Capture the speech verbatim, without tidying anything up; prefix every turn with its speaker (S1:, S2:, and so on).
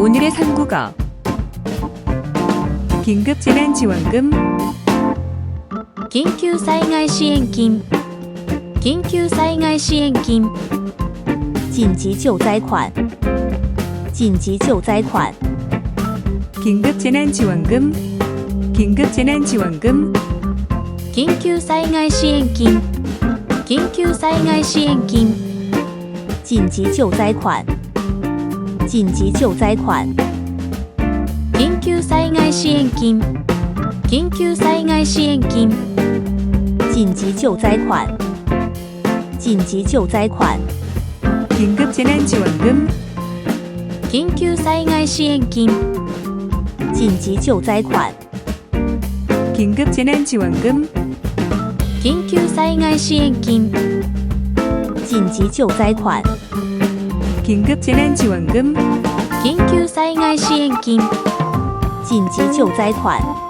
S1: 오늘의 삼국어 긴급재난지원금
S2: 緊急災害支援金緊急災害支援金
S3: 紧急救灾款紧急救灾款
S1: 긴급재난지원금 긴급재난지원금
S2: 緊急災害支援金緊急災害支援金
S3: 紧急救灾款紧急救灾款
S2: 緊急災害支援金緊急災害支援金
S3: 紧急救灾款紧急救灾款
S1: 긴급재난지원금
S2: 緊急災害支援金
S3: 紧急救灾款
S1: 긴급재난지원금
S2: 緊急災害支援金
S3: 紧急救灾款
S1: 긴급재난지원금
S2: 緊急災害支援金
S3: 紧急救灾款